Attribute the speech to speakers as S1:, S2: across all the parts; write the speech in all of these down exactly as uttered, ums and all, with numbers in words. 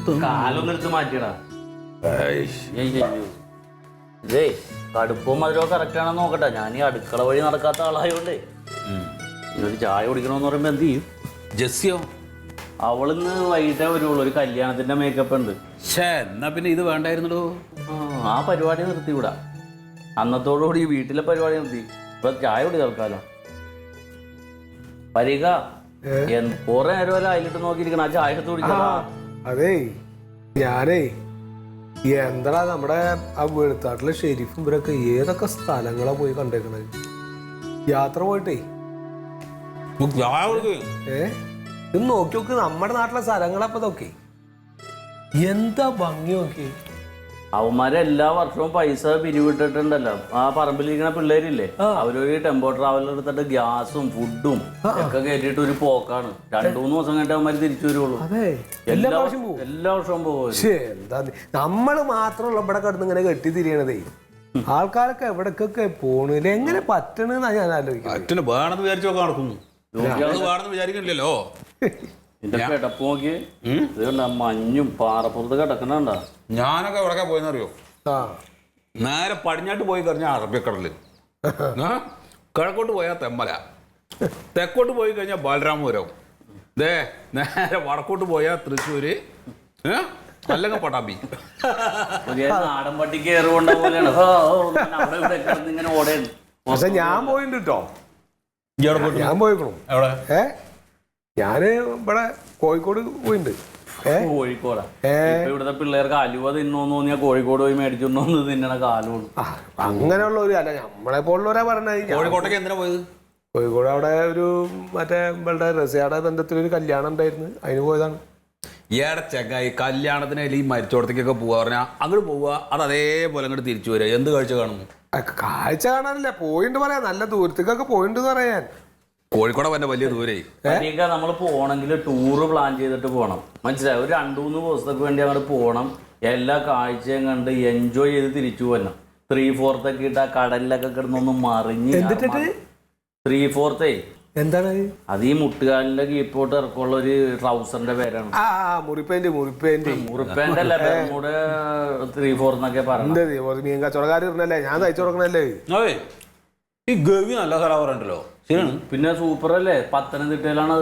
S1: കാലൊന്നും എടുത്ത് മാറ്റിയടാ. ഇതേ കടുപ്പവും മധുരവും കറക്റ്റ് ആണെന്ന് നോക്കട്ടെ. ഞാൻ ഈ അടുക്കള വഴി നടക്കാത്ത ആളായോണ്ടേ ഒരു ചായ കുടിക്കണമെന്ന് പറയുമ്പോ എന്ത് ചെയ്യും?
S2: ജെസ്സിയോ?
S1: അവളിന്ന് വൈകിട്ടേ വരുള്ളൂ. ഒരു കല്യാണത്തിന്റെ മേക്കപ്പ് ഉണ്ട്.
S2: എന്നാ പിന്നെ ഇത് വേണ്ടായിരുന്നോ?
S1: ആ പരിപാടി നിർത്തി വിടാ. അന്നത്തോടുകൂടി വീട്ടിലെ പരിപാടി നിർത്തി. ഇപ്പൊ ചായ കുടി തൽക്കാലം. പരിക കൊറേ നേരം വരെ അതിലിട്ട് നോക്കിയിരിക്കണം. ആ ചായ എടുത്ത് കുടിക്കണം.
S3: അതേ ഞാനേ എന്താ നമ്മുടെ ആ വെളുത്താട്ടിലെ ഷെരീഫും ഇവരൊക്കെ ഏതൊക്കെ സ്ഥലങ്ങളാ പോയി കണ്ടേക്കണത്. യാത്ര പോയിട്ടേ ഏ ഇത് നോക്കി നോക്ക്. നമ്മുടെ നാട്ടിലെ സ്ഥലങ്ങളപ്പോ നോക്കി എന്താ ഭംഗി നോക്കി.
S1: അവന്മാരെ എല്ലാ വർഷവും പൈസ പിരിവിട്ടിട്ടുണ്ടല്ലോ. ആ പറമ്പിലിരിക്കുന്ന പിള്ളേരില്ലേ, അവരൊരു ടെമ്പോ ട്രാവലർ എടുത്തിട്ട് ഗ്യാസും ഫുഡും ഒക്കെ കയറ്റിട്ട് ഒരു പോക്കാണ്. രണ്ടു മൂന്ന് ദിവസം കഴിഞ്ഞിട്ട് അവന്മാര് തിരിച്ചു വരുള്ളൂ. എല്ലാ എല്ലാ വർഷവും പോകും.
S3: എന്താ നമ്മള് മാത്രമുള്ള ഇവിടെ കിടന്ന് ഇങ്ങനെ കെട്ടി തിരിയണതേ. ആൾക്കാരൊക്കെ എവിടക്കൊക്കെ പോണില്ല. എങ്ങനെ പറ്റണെന്നാ ഞാൻ ആലോചിക്കുന്നത്.
S2: വേണമെന്ന് വിചാരിച്ചോ നടക്കുന്നു. വിചാരിക്കണില്ലല്ലോ.
S1: ഇതിന്റെ കിടപ്പ് നോക്കി മഞ്ഞും പാറപ്പുറത്ത് കിടക്കണണ്ട.
S2: ഞാനൊക്കെ എവിടെ പോയെന്നറിയോ? നേരെ പടിഞ്ഞാട്ട് പോയി കഴിഞ്ഞാൽ അറബിക്കടല്, കിഴക്കോട്ട് പോയാൽ തെമ്മല, തെക്കോട്ട് പോയി കഴിഞ്ഞാൽ ബാലരാമപുരം, ദേ നേരെ വടക്കോട്ട് പോയാൽ തൃശ്ശൂര്, അല്ലെങ്കിൽ പട്ടാമ്പി.
S1: നാടൻ പട്ടി കയറുകൊണ്ട പോലെയാണ് ഇങ്ങനെ ഓടേണ്.
S3: പക്ഷെ ഞാൻ പോയിട്ടുണ്ട് കേട്ടോ. ഞാൻ പോയിക്കണു.
S2: എവിടെ?
S3: ഏ ഞാന് ഇവിടെ കോഴിക്കോട് പോയിട്ടുണ്ട്.
S1: കോഴിക്കോടാ? ഇവിടുത്തെ പിള്ളേർക്ക് അലുവ തിന്നോന്ന് തോന്നിയാ കോഴിക്കോട് പോയി മേടിച്ചോന്ന് തിന്നണ കാലമാണ്.
S3: അങ്ങനെയുള്ള ഒരു അല്ല നമ്മളെ പോലുള്ളവരാ പറഞ്ഞത്.
S2: കോഴിക്കോട്ടേക്ക് എന്തിനാ പോയത്?
S3: കോഴിക്കോട് അവിടെ ഒരു മറ്റേ നമ്മളുടെ റസിയാടെ ബന്ധത്തിലൊരു കല്യാണം ഉണ്ടായിരുന്നു, അതിന് പോയതാണ്.
S2: ഏടെ ചെങ്ങായി കല്യാണത്തിന് ഈ മരിച്ചോടത്തേക്കൊക്കെ പോവാ പറഞ്ഞാൽ അങ്ങോട്ട് പോവുക, അത് അതേപോലെ അങ്ങോട്ട് തിരിച്ചു വരിക. എന്ത് കാഴ്ച കാണുന്നു?
S3: കാഴ്ച കാണാനില്ല, പോയിണ്ട് പറയാ. നല്ല ദൂരത്തേക്കൊക്കെ പോയിണ്ട് പറയാൻ.
S2: കോഴിക്കോട് തന്നെ വലിയ ദൂരേ.
S1: നമ്മൾ പോണെങ്കിൽ ടൂറ് പ്ലാൻ ചെയ്തിട്ട് പോകണം. മനസ്സിലായി? ഒരു രണ്ടു മൂന്ന് ദിവസത്തേക്ക് വേണ്ടി അങ്ങോട്ട് പോകണം. എല്ലാ കാഴ്ചയും കണ്ട് എൻജോയ് ചെയ്ത് തിരിച്ചു പോരണം. ത്രീ ഫോർത്തൊക്കെ ഇട്ട് ആ കടലിലൊക്കെ കിടന്നൊന്ന് മറിഞ്ഞ്. ത്രീ ഫോർത്തേ
S3: എന്താണ്
S1: അത്? ഈ മുട്ടുകാലിന്റെ കീപ്പോട്ട് ഇറക്കമുള്ള ഒരു ട്രൗസറിന്റെ പേരാണ്.
S3: മുറിപ്പേന്റ് മുറിപ്പേന്റ്
S1: മുറിപ്പേന്റ് അല്ല, ബെർമുഡ ത്രീ ഫോർ എന്നൊക്കെ പറഞ്ഞു.
S3: മീൻ കച്ചവടക്കാർ ഇരുന്നല്ലേ, ഞാൻ തയ്ച്ചു കൊടുക്കണല്ലേ.
S2: ഈ ഗവി നല്ല സ്ഥലം പറയണ്ടല്ലോ. ശരിയാണ്.
S1: പിന്നെ സൂപ്പർ അല്ലേ, പത്തനംതിട്ടയിലാണത്.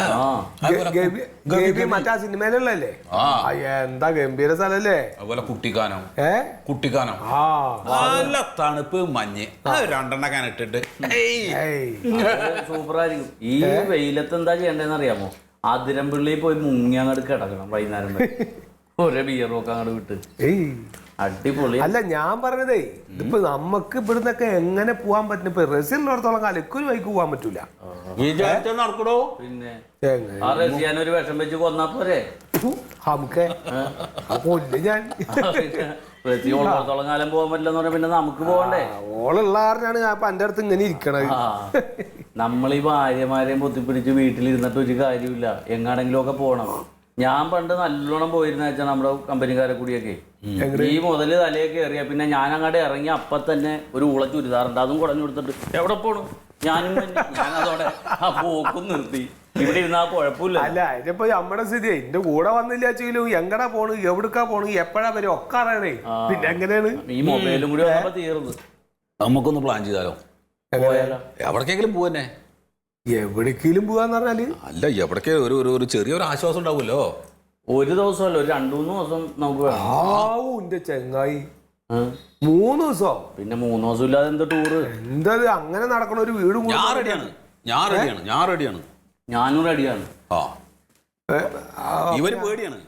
S3: മറ്റാ സിനിമയിലുള്ളല്ലേ? എന്താ ഗംഭീര സ്ഥലല്ലേ.
S2: അതുപോലെ കുട്ടിക്കാനം. ഏ കുട്ടിക്കാനം നല്ല തണുപ്പ് മഞ്ഞ് രണ്ടെണ്ണക്കാൻ ഇട്ടിട്ട്
S1: സൂപ്പറായിരിക്കും. ഈ വെയിലത്ത് എന്താ ചെയ്യണ്ടെന്ന് അറിയാമോ? അതിരമ്പള്ളി പോയി മുങ്ങി അങ്ങോട്ട് കിടക്കണം വൈകുന്നേരം വരെ. ഒരേ ബിയറൊക്കെ അങ്ങോട്ട് വിട്ട് അടിപൊളി.
S3: അല്ല ഞാൻ പറഞ്ഞതേ, ഇതിപ്പോ നമുക്ക് ഇവിടുന്നൊക്കെ എങ്ങനെ പോവാൻ പറ്റും? ഇപ്പൊ റസിലുള്ളിടത്തോളം കാലം ഇക്കൊരു വൈക്ക് പോവാൻ പറ്റൂല.
S2: നടക്കണോ?
S1: പിന്നെ ആ റസിയാനൊരു വിഷം വെച്ച് കൊന്നാ പോരെ?
S3: നമുക്ക് കൊല്ല് ഞാൻ.
S1: റസി ഉള്ളിടത്തോളം കാലം പോകാൻ പറ്റില്ലെന്ന് പറഞ്ഞാൽ പിന്നെ നമുക്ക് പോകണ്ടേ?
S3: ഓളുള്ള കാരണമാണ് ഞാൻ എന്റെ അടുത്ത് ഇങ്ങനെ ഇരിക്കണത്.
S1: നമ്മൾ ഈ ഭാര്യമാരെയും പൊത്തിപ്പിടിച്ച് വീട്ടിലിരുന്നിട്ട് ഒരു കാര്യമില്ല. എങ്ങാണെങ്കിലും ഒക്കെ പോകണം. ഞാൻ പണ്ട് നല്ലോണം പോയിരുന്ന വെച്ചാൽ നമ്മുടെ കമ്പനിക്കാരെ കൂടിയൊക്കെ ഈ മുതല് തലയൊക്കെ കയറിയ പിന്നെ ഞാൻ അങ്ങോട്ട് ഇറങ്ങി അപ്പൊ തന്നെ ഒരു ഉള ചുരിദാറുണ്ട്, അതും കുടഞ്ഞു കൊടുത്തിട്ട് എവിടെ പോണു ഞാനും ഞാൻ അതോടെ ആ പോക്കും നിർത്തി. ഇവിടെ ഇരുന്നാ കുഴപ്പമില്ല.
S3: അല്ല ഇതിപ്പോ നമ്മുടെ സ്ഥിതി എന്റെ കൂടെ വന്നില്ല വെച്ചെങ്കിലും എങ്ങടാ പോണു, എവിടുക്കാ പോണു, എപ്പോഴാ വരും ഒക്കെ അറിയണേ. പിന്നെ എങ്ങനെയാണ്
S1: ഈ മൊബൈലും കൂടി വന്നപ്പോ തീർന്നു.
S2: നമുക്കൊന്ന് പ്ലാൻ ചെയ്താലോ? എവിടേക്കെങ്കിലും പോവന്നെ?
S3: എവിടേക്കെങ്കിലും പോവാന്ന് പറഞ്ഞാല്
S2: അല്ല എവിടേക്ക് ഒരു ഒരു ചെറിയൊരു ആശ്വാസം ഉണ്ടാവുമല്ലോ.
S1: ഒരു ദിവസമല്ല, ഒരു രണ്ടു മൂന്ന് ദിവസം നമുക്ക്
S3: എന്റെ ചെങ്ങായി. മൂന്ന് ദിവസം?
S2: പിന്നെ മൂന്ന് ദിവസം ഇല്ലാതെ എന്താ ടൂറ്?
S3: എന്താ അങ്ങനെ നടക്കണ ഒരു വീട്?
S2: ഞാൻ റെഡിയാണ്, ഞാൻ റെഡിയാണ്, ഞാൻ റെഡിയാണ്.
S1: ഞാനും റെഡിയാണ്.
S2: ആ ഇവര് പേടിയാണ്.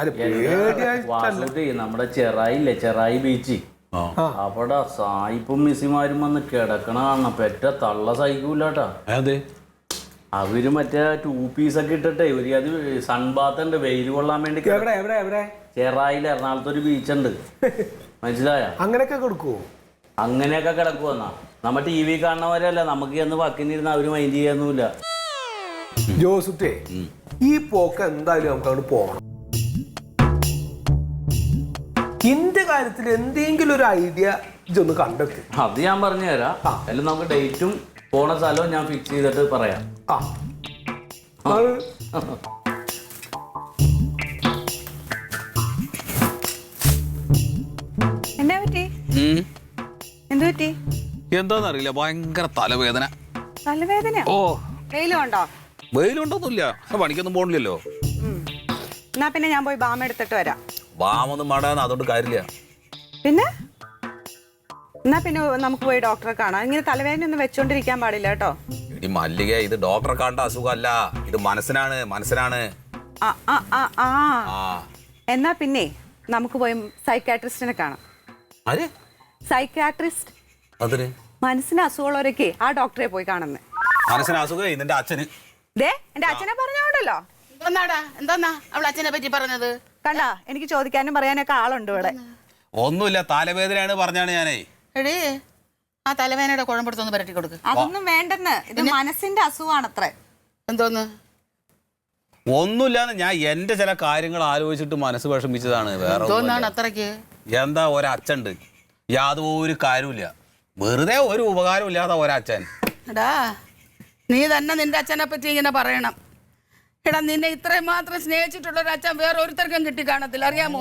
S1: നമ്മുടെ ചെറായില്ലേ, ചെറായി ബീച്ച്, അവിടെ സായിപ്പും മിസ്സിമാരും വന്ന് കിടക്കണ കാണണം. പെറ്റ തള്ള സഹിക്കൂലാട്ടാ.
S2: അതെ,
S1: അവര് മറ്റേ ടൂ പീസ് ഒക്കെ ഇട്ടിട്ടേ ഒരു അത് സൺബാത്ത് ഉണ്ട്, വെയിൽ കൊള്ളാൻ വേണ്ടി. ചെറായിൽ എറണാകുളത്ത് ഒരു ബീച്ചുണ്ട്, മനസ്സിലായ?
S3: അങ്ങനെയൊക്കെ കൊടുക്കുവോ?
S1: അങ്ങനെയൊക്കെ കിടക്കുവന്നാ. നമ്മ ടി വി കാണുന്നവരല്ല, നമുക്ക് ചെന്ന് പക്കിനിരുന്ന് അവര് മൈൻഡ് ചെയ്യാനൊന്നുമില്ല.
S3: ജോസുട്ടേ, ഈ പോക്ക് എന്തായാലും നമുക്ക് അങ്ങോട്ട് പോകണം. ഇന്റെ കാര്യത്തിൽ എന്തെങ്കിലും ഒരു ഐഡിയ ഇതൊന്ന് കണ്ടെത്തി.
S1: അത് ഞാൻ പറഞ്ഞു തരാം. അല്ല നമുക്ക് ഡേറ്റും പോണ സ്ഥലവും ഞാൻ ഫിക്സ് ചെയ്തിട്ട് പറയാം.
S2: എന്താന്നറിയില്ല, ഭയങ്കര തലവേദന.
S4: തലവേദന?
S2: ഓ,
S4: വെയിലുണ്ടോ?
S2: വെയിലുണ്ടോന്നില്ല, പണിക്കൊന്നും പോണില്ലല്ലോ.
S4: എന്നാ പിന്നെ ഞാൻ പോയി ബാം എടുത്തിട്ട് വരാം.
S2: ബാമൊന്നും വേണ്ടാന്ന്, അതുകൊണ്ട് കാര്യമില്ല.
S4: പിന്നെ എന്നാ പിന്നെ നമുക്ക് പോയി ഡോക്ടറെ കാണാം. ഇങ്ങനെ തലവേദന ഒന്നും വെച്ചോണ്ടിരിക്കാൻ പാടില്ല കേട്ടോ.
S2: ഈ മല്ലിക, ഇത് ഡോക്ടറെ കാണേണ്ട അസുഖമല്ല, ഇത് മനസ്സിനാണ്, മനസ്സിനാണ്.
S4: ആ ആ ആ ആ എന്നാ പിന്നെ നമുക്ക് പോയി സൈക്കാട്രിസ്റ്റിനെ കാണാം.
S2: ആര്?
S4: സൈക്കാട്രിസ്റ്റ്.
S2: അതിന്
S4: മനസ്സിന് അസുഖമുള്ളവരൊക്കെ ആ ഡോക്ടറെ പോയി കാണുന്നത്.
S2: മനസ്സിന് അസുഖം നിന്റെ അച്ഛന്.
S4: ദേ എന്റെ അച്ഛനെ പറഞ്ഞോണ്ടല്ലോ.
S5: എന്താടാ എന്താ അവൾ അച്ഛനെ പറ്റി പറഞ്ഞത്?
S4: കണ്ടാ, എനിക്ക് ചോദിക്കാനും പറയാനൊക്കെ ആളുണ്ട് ഇവിടെ.
S2: ഒന്നുമില്ല, തലവേദനയാണ് പറഞ്ഞാണ് ഞാനേ.
S5: എടേ, ആ തലവേദനയുടെ കുഴമ്പെടുത്തൊന്ന് പരട്ടി കൊടുക്ക്.
S4: അതൊന്നും വേണ്ടെന്ന്, ഇത് മനസ്സിന്റെ അസുഖമാണത്രേ.
S5: എന്തോന്ന്?
S2: ഒന്നുമില്ലാന്ന്, ഞാൻ എന്റെ ചില കാര്യങ്ങൾ ആലോചിച്ചിട്ട് മനസ്സ് വിഷമിച്ചതാണ്. വേറെ
S5: എന്തോന്നാണ് അത്രയ്ക്ക്?
S2: എന്താ, ഒരച്ഛണ്ട്, യാതൊരു കാര്യമില്ല, വെറുതെ ഒരു ഉപകാരം ഇല്ലാത്ത ഒരച്ഛൻ.
S5: എടാ, നീ തന്നെ നിന്റെ അച്ഛനെ പറ്റി ഇങ്ങനെ പറയണം. എടാ, നിന്നെ ഇത്രയും മാത്രം സ്നേഹിച്ചിട്ടുള്ള ഒരു അച്ഛൻ വേറെ ഒരുത്തർക്കും കിട്ടി കാണത്തില്ല, അറിയാമോ?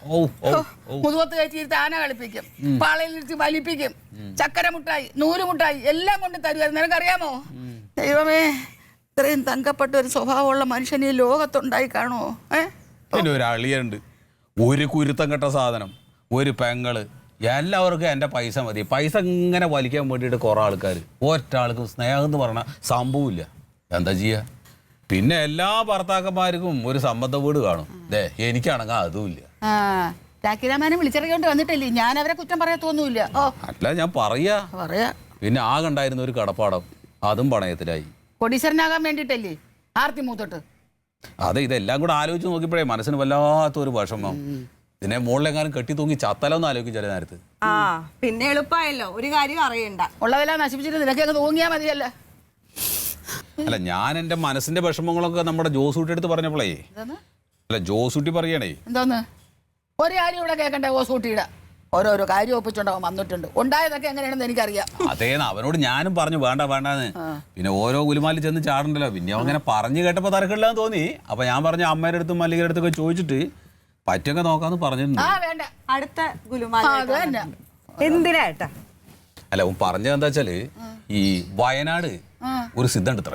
S5: മുതുവത്ത് കയറ്റിയിരുത്തി ആന കളിപ്പിക്കും, പാളയിലിരുത്തി വലിപ്പിക്കും, ചക്കര മുട്ടായി, നൂല് മുട്ടായി എല്ലാം കൊണ്ട് തരുമായിരുന്നു, നിനക്കറിയാമോ? ദൈവമേ, ഇത്രയും തങ്കപ്പെട്ട ഒരു സ്വഭാവമുള്ള മനുഷ്യൻ ഈ ലോകത്തുണ്ടായി കാണുമോ? ഏഹ്,
S2: പിന്നെ ഒരു അളിയുണ്ട്, ഒരു കുരുത്തം കെട്ട സാധനം, ഒരു പെങ്ങള്, എല്ലാവർക്കും എൻ്റെ പൈസ മതി. പൈസ ഇങ്ങനെ വലിക്കാൻ വേണ്ടിയിട്ട് കുറേ ആൾക്കാർ, ഒറ്റ ആൾക്കും സ്നേഹം എന്ന് പറഞ്ഞാൽ സംഭവമില്ല. എന്താ ചെയ്യുക? പിന്നെ എല്ലാ ഭർത്താക്കന്മാർക്കും ഒരു സമ്മത വീട് കാണും. ദേ, എനിക്കാണെങ്കിൽ അതുമില്ല.
S5: ആ, രാഖിരാമാനെ വിളിച്ചിറങ്ങിയോണ്ട് വന്നിട്ടില്ലേ, ഞാൻ അവരെ കുറ്റം പറയാത്തൊന്നുമില്ല. ഓ,
S2: അല്ല, ഞാൻ പറയാ
S5: പറയാ
S2: പിന്നെ ആകണ്ടായിരുന്ന ഒരു കടപ്പാടം, അതും പണയത്തിലായി.
S5: കൊടീശ്വരനാകാൻ വേണ്ടിട്ടല്ലേ ആർത്തി മൂത്തോട്ട്?
S2: അതെ, ഇതെല്ലാം കൂടെ ആലോചിച്ച് നോക്കിയപ്പോഴേ മനസ്സിന് വല്ലാത്തൊരു വിഷമം. ഇതിനെ മുകളിലെങ്ങാനും കെട്ടി തൂങ്ങി ചത്തലോന്ന് ആലോചിക്കും ചില നേരത്ത്.
S4: ആ, പിന്നെ എളുപ്പമായല്ലോ, ഒരു കാര്യം അറിയണ്ട.
S5: ഉള്ളതെല്ലാം നശിപ്പിച്ചിട്ട് നിനക്കൊക്കെ തൂങ്ങിയാ മതിയല്ല.
S2: അല്ല, ഞാൻ എൻ്റെ മനസ്സിന്റെ വിഷമങ്ങളൊക്കെ നമ്മുടെ ജോസൂട്ടി എടുത്ത് പറഞ്ഞപ്പോഴേ, അല്ല ജോസൂട്ടി പറയണേ.
S5: എന്തോന്ന്? ഒരു കാര്യം ഇവിടെ കേൾക്കണ്ടേ? ഓസൂട്ടിയുടെ ഓരോരോ കാര്യം ഒപ്പിച്ചുണ്ടാവും വന്നിട്ടുണ്ട്. ഉണ്ടായതൊക്കെ എങ്ങനെയാണെന്ന് എനിക്കറിയാം.
S2: അതേന്ന് അവനോട് ഞാനും പറഞ്ഞു വേണ്ട വേണ്ടാന്ന്. പിന്നെ ഓരോ ഗുലുമാലിൽ ചെന്ന് ചാടണ്ടല്ലോ. പിന്നെ അങ്ങനെ പറഞ്ഞു കേട്ടപ്പോ തരക്കില്ലാന്ന് തോന്നി. അപ്പൊ ഞാൻ പറഞ്ഞു അമ്മയുടെ അടുത്തും മല്ലികയുടെ അടുത്തൊക്കെ ചോദിച്ചിട്ട് പറ്റൊക്കെ നോക്കാന്ന് പറഞ്ഞിട്ടുണ്ട്.
S5: ആ, വേണ്ട,
S4: അടുത്ത ഗുലുമാല
S5: അത് തന്നെ.
S4: എന്തിനാ ഏട്ടാ?
S2: അല്ല, അവൻ പറഞ്ഞത് എന്താ വെച്ചാല്, ഈ വയനാട് ഒരു സിദ്ധൻ ഇത്ര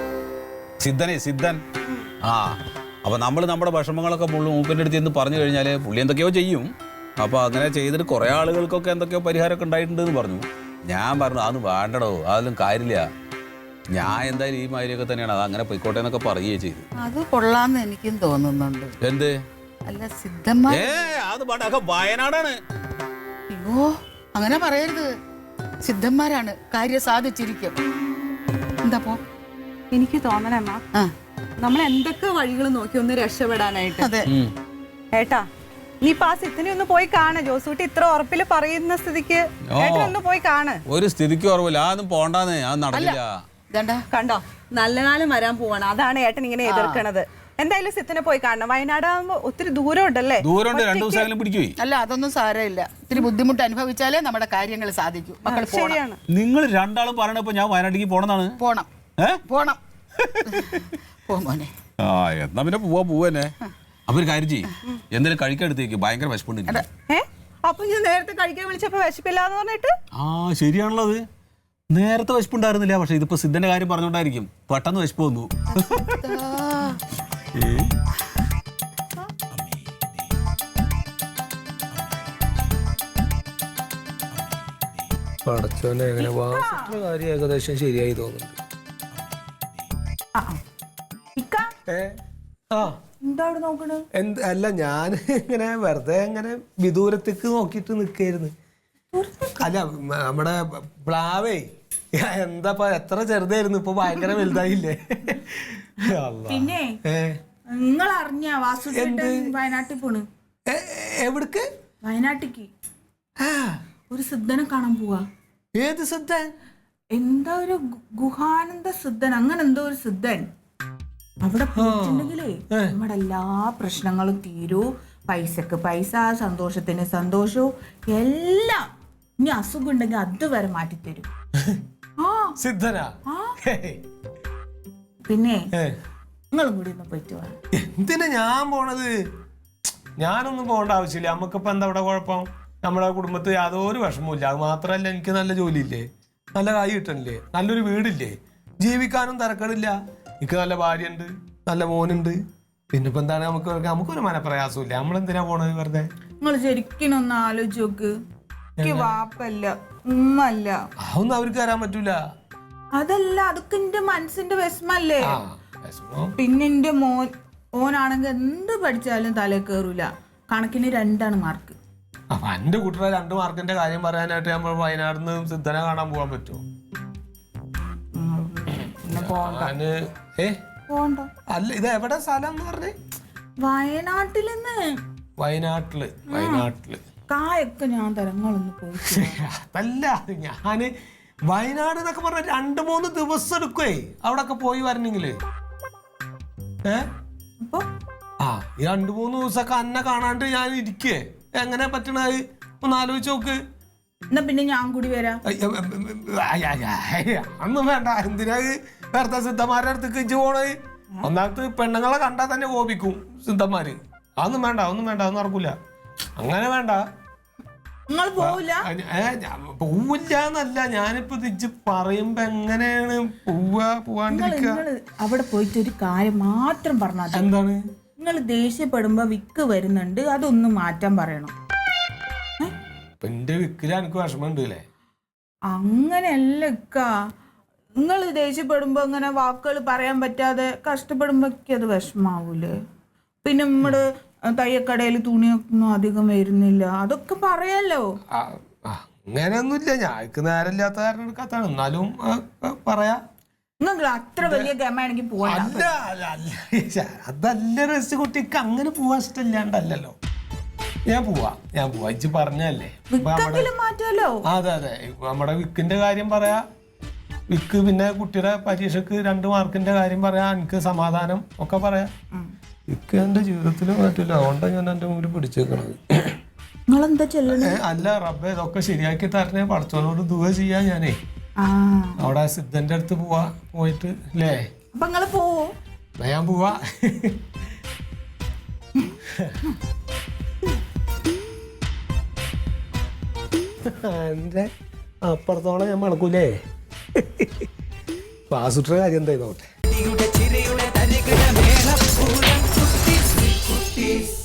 S2: സിദ്ധനെ സിദ്ധൻ ആ അപ്പൊ നമ്മൾ നമ്മുടെ വിഷമങ്ങളൊക്കെ പുള്ളി മൂപ്പൻ്റെ അടുത്ത് എന്ന് പറഞ്ഞു കഴിഞ്ഞാല് പുള്ളി എന്തൊക്കെയോ ചെയ്യും. അപ്പൊ അങ്ങനെ ചെയ്തിട്ട് കുറെ ആളുകൾക്കൊക്കെ എന്തൊക്കെയോ പരിഹാരമൊക്കെ ഉണ്ടായിട്ടുണ്ട് എന്ന് പറഞ്ഞു. ഞാൻ പറഞ്ഞു അതൊന്നും വേണ്ടടോ, അതൊന്നും കാര്യമില്ല, ഞാൻ എന്തായാലും ഈ മാതിരിയൊക്കെ തന്നെയാണ്, അത് അങ്ങനെ പൊയ്ക്കോട്ടെ എന്നൊക്കെ പറയുകയും ചെയ്തു.
S5: അത് കൊള്ളാന്ന് എനിക്കും തോന്നുന്നുണ്ട്.
S2: എന്ത്?
S5: അല്ല, സിദ്ധന്മാർ.
S2: ഏ അത് പാട്ടൊക്കെ വയനാടാണ്.
S5: അയ്യോ, അങ്ങനെ പറയരുത്. സിദ്ധന്മാരാണ്, കാര്യം സാധിച്ചിരിക്കും. എന്താ പോ?
S4: എനിക്ക് തോന്നണമ്മ,
S5: ആ,
S4: നമ്മൾ എന്തൊക്കെ വഴികൾ നോക്കി ഒന്ന് രക്ഷപ്പെടാനായിട്ട്.
S5: അതെ.
S4: ഏട്ടാ, നീ ആ സിത്തിനെ ഒന്ന് പോയി കാണ്. ജോസൂട്ടി ഇത്ര ഉറപ്പില് പറയുന്ന സ്ഥിതിക്ക് ഏട്ടാ ഒന്ന് പോയി കാണ്.
S2: ഒരു സ്ഥിതിക്ക് ഓർവില്ല, അതൊന്നും പോണ്ടാന്ന്, അത് നടന്നില്ല.
S5: ഇതണ്ട
S4: കണ്ടോ, നല്ല കാലം വരാൻ പോവാണ്, അതാണ് ഏട്ടൻ ഇങ്ങനെ എതിർക്കണത്. എന്തായാലും സിത്തിനെ പോയി കാണണം. വയനാട് ആകുമ്പോ ഒത്തിരി ദൂരം ഉണ്ടല്ലേ?
S2: ദൂരമുണ്ട്, രണ്ടു ദിവസം പിടിക്കുവേ.
S5: അല്ല, അതൊന്നും സാരമില്ല. ഇത്തിരി ബുദ്ധിമുട്ട് അനുഭവിച്ചാലേ നമ്മുടെ കാര്യങ്ങൾ സാധിക്കൂ. മക്കൾ
S4: ശരിയാണ്.
S2: നിങ്ങൾ രണ്ടാളും പറയണപ്പോ ഞാൻ വയനാട്ടിലേക്ക് പോണെന്നാണ്.
S5: പോണം,
S2: ഏ
S5: പോണം. പോ മോനെ.
S2: ആ എന്നാ പിന്നെ പോവാ പോവന്നെ. അപ്പൊ ഒരു കാര്യം ചെയ്യും, എന്തെങ്കിലും കഴിക്കാടുത്തേക്ക്, ഭയങ്കര വിശപ്പുണ്ട്.
S4: ഏ അപ്പൊ ഞാൻ നേരത്തെ കഴിക്കാൻ വിളിച്ചപ്പോ വിശപ്പില്ലാന്ന് പറഞ്ഞിട്ട്?
S2: ആ ശരിയാണല്ലോ, അത് നേരത്തെ വിശപ്പുണ്ടായിരുന്നില്ല, പക്ഷെ ഇതിപ്പോ സിദ്ധന്റെ കാര്യം പറഞ്ഞോണ്ടായിരിക്കും പെട്ടെന്ന് വിശപ്പ് വന്നു.
S3: പടച്ചോനെ, എങ്ങനെ വാസത്തിന്റെ കാര്യം ഏകദേശം ശരിയായി തോന്നുന്നുണ്ട്.
S4: എന്താ അവിടെ നോക്കണ?
S3: എന്ത് അല്ല, ഞാൻ ഇങ്ങനെ വെറുതെ ഇങ്ങനെ വിദൂരത്തേക്ക് നോക്കിട്ട് നിക്കായിരുന്നു. അല്ല, നമ്മുടെ പ്ലാവേ എന്താ എത്ര ചെറുതായിരുന്നു, ഇപ്പൊ ഭയങ്കര വലുതായില്ലേ?
S6: പിന്നെ നിങ്ങൾ അറിഞ്ഞ വാസുദേവൻ വയനാട്ടിൽ പോണ്?
S3: എവിടക്ക്?
S6: വയനാട്ടിക്ക് ഒരു സിദ്ധനെ കാണാൻ പോവാ.
S3: ഏത് സിദ്ധൻ?
S6: എന്താ ഒരു ഗുഹാനന്ദ സിദ്ധൻ, അങ്ങനെ എന്തോ ഒരു സിദ്ധൻ. അവിടെ പോയിട്ടുണ്ടെങ്കിലേ നമ്മുടെ എല്ലാ പ്രശ്നങ്ങളും തീരൂ, പൈസക്ക് പൈസ, സന്തോഷത്തിന് സന്തോഷവും എല്ലാം. ഇനി അസുഖം ഉണ്ടെങ്കിൽ അതുവരെ മാറ്റിത്തരും. ആ
S3: സിദ്ധനാ?
S6: പിന്നെ നിങ്ങളും കൂടി ഒന്ന് പോയിട്ട് വാ.
S3: എന്തിനാ ഞാൻ പോണത്? ഞാനൊന്നും പോകേണ്ട ആവശ്യമില്ല. നമുക്കിപ്പോ എന്താ ഇവിടെ കുഴപ്പം? നമ്മുടെ കുടുംബത്തിൽ യാതൊരു വിഷമവും അത് മാത്രമല്ല എനിക്ക് നല്ല ജോലിയില്ലേ, നല്ല കായ് കിട്ടണില്ലേ, നല്ലൊരു വീടില്ലേ, ജീവിക്കാനും തിരക്കടില്ല, എനിക്ക് നല്ല ഭാര്യ ഉണ്ട്, നല്ല മോനുണ്ട്. പിന്നെ ഇപ്പൊ എന്താണ് നമുക്ക് നമുക്കൊരു മനപ്രയാസമില്ല. നമ്മളെന്തിനാ പോണത് വെറുതെ?
S6: നിങ്ങൾ ശരിക്കും ഒന്ന് ആലോചിച്ച് നോക്ക്. എനിക്ക് വാപ്പല്ല, ഉമ്മല്ല.
S3: അതൊന്നും അവർക്ക് തരാൻ പറ്റൂല.
S6: അതല്ല, അതൊക്കെ എന്റെ മനസ്സിന്റെ വിഷമല്ലേ.
S3: ആ വിഷമം.
S6: പിന്നെ എന്റെ മോൻ ഓനാണെങ്കിൽ എന്ത് പഠിച്ചാലും തലേ കയറൂല. കണക്കിന് രണ്ടാണ് മാർക്ക്.
S3: അപ്പൊ എന്റെ കുട്ടിയുടെ രണ്ട് മാർക്കിന്റെ കാര്യം പറയാനായിട്ട് നമ്മൾ വയനാട് നിന്ന് സിദ്ധനെ കാണാൻ പോകാൻ പറ്റുമോ?
S6: പിന്നെ പോണ്ട
S3: ഞാന് ഏ
S6: പോണ്ട.
S3: അല്ല, ഇത് എവിടെ സ്ഥലം എന്ന് പറഞ്ഞേ?
S6: വയനാട്ടിൽ നിന്ന്.
S3: വയനാട്ടില്. വയനാട്ടില്
S6: കായൊക്കെ ഞാൻ തരങ്ങളൊന്ന് പോയി.
S3: അതല്ല, ഞാന് വയനാട് എന്നൊക്കെ പറഞ്ഞ രണ്ട് മൂന്ന് ദിവസം എടുക്കുവേ അവിടെ ഒക്കെ പോയി വരണെങ്കില്. ഏ
S6: അപ്പൊ
S3: ആ ഈ രണ്ട് മൂന്ന് ദിവസമൊക്കെ അന്നെ കാണാണ്ട് ഞാൻ ഇരിക്കേ എങ്ങനെ പറ്റണത് ഒന്ന് ആലോചിച്ച് നോക്ക്.
S6: എന്നാ പിന്നെ ഞാൻ കൂടി വരാം.
S3: ഒന്നും വേണ്ട. എന്തിനാ വേർത്ത സിദ്ധന്മാരുടെ അടുത്തേക്ക് ഇഞ്ചു പോണത്? ഒന്നാമത് പെണ്ണുങ്ങളെ കണ്ടാൽ തന്നെ കോപിക്കും സിദ്ധന്മാര്. അതൊന്നും വേണ്ട, ഒന്നും വേണ്ട, അതൊന്നും നടക്കൂല. അങ്ങനെ വേണ്ട.
S6: നിങ്ങൾ പോവില്ല?
S3: പോവില്ല എന്നല്ല, ഞാനിപ്പോ തിരിച്ച് പറയുമ്പോ എങ്ങനെയാണ് പോവാ പോവാണ്ടിരിക്കുക?
S6: അവിടെ പോയിട്ട് ഒരു കാര്യം മാത്രം പറഞ്ഞാൽ
S3: എന്താണ്?
S6: നിങ്ങൾ ദേഷ്യപ്പെടുമ്പോ വിക്ക് വരുന്നുണ്ട്, അതൊന്നും മാറ്റാൻ പറയണം.
S3: ഇപ്പൊ എന്റെ വിക്കില് എനിക്ക് വിഷമം ഉണ്ട് അല്ലേ?
S6: അങ്ങനെയല്ല ഇക്ക. നിങ്ങൾ ദേഷ്യപ്പെടുമ്പോ ഇങ്ങനെ വാക്കുകൾ പറയാൻ പറ്റാതെ കഷ്ടപ്പെടുമ്പോ അത് വിഷമാവൂലേ? പിന്നെ നമ്മുടെ തയ്യക്കടയിൽ തുണിയൊന്നും അധികം വരുന്നില്ല, അതൊക്കെ പറയാലോ.
S3: അങ്ങനെയൊന്നുമില്ല, ഞാക്ക് നേരമില്ലാത്ത കാരണം എടുക്കാത്താണ്. എന്നാലും പറയാ.
S6: നിങ്ങൾ അത്ര വലിയ ഗമാണെങ്കിൽ പോവാ.
S3: അല്ല അല്ല അല്ല അതല്ല രസ കുട്ടിക്ക് അങ്ങനെ പോവാൻ ഇഷ്ടമില്ലാണ്ടല്ലോ. ഞാൻ പോവാ ഞാൻ പോവാ ഇജ്ജ് പറഞ്ഞല്ലേ.
S6: മാറ്റാലോ.
S3: അതെ അതെ, നമ്മുടെ വിക്കിന്റെ കാര്യം പറയാ. വിക്ക് പിന്നെ കുട്ടിയുടെ പരീക്ഷക്ക് രണ്ട് മാർക്കിന്റെ കാര്യം പറയാ. എനിക്ക് സമാധാനം ഒക്കെ പറയാ. വിക്ക് എന്റെ ജീവിതത്തിൽ മാറ്റില്ല, അതുകൊണ്ടാണ് ഞാൻ എന്റെ മുമ്പിൽ പിടിച്ചേക്കണത്.
S6: നിങ്ങളെന്താ ചെല്ലണേ?
S3: അല്ല റബ്ബേ, ഇതൊക്കെ ശരിയാക്കി തരണേ, പഠിച്ചവനോട് ദുആ ചെയ്യാ. ഞാനേ അവിടെ സിദ്ധന്റെ അടുത്ത് പോവാ, പോയിട്ട് അല്ലേ?
S6: അപ്പൊ നിങ്ങള് പോവോ?
S3: ഞാൻ പോവാ. എന്റെ അപ്പുറത്തോളം ഞാൻ മണക്കൂലേ. പാസുട്ട കാര്യം എന്തായി നോട്ടെ.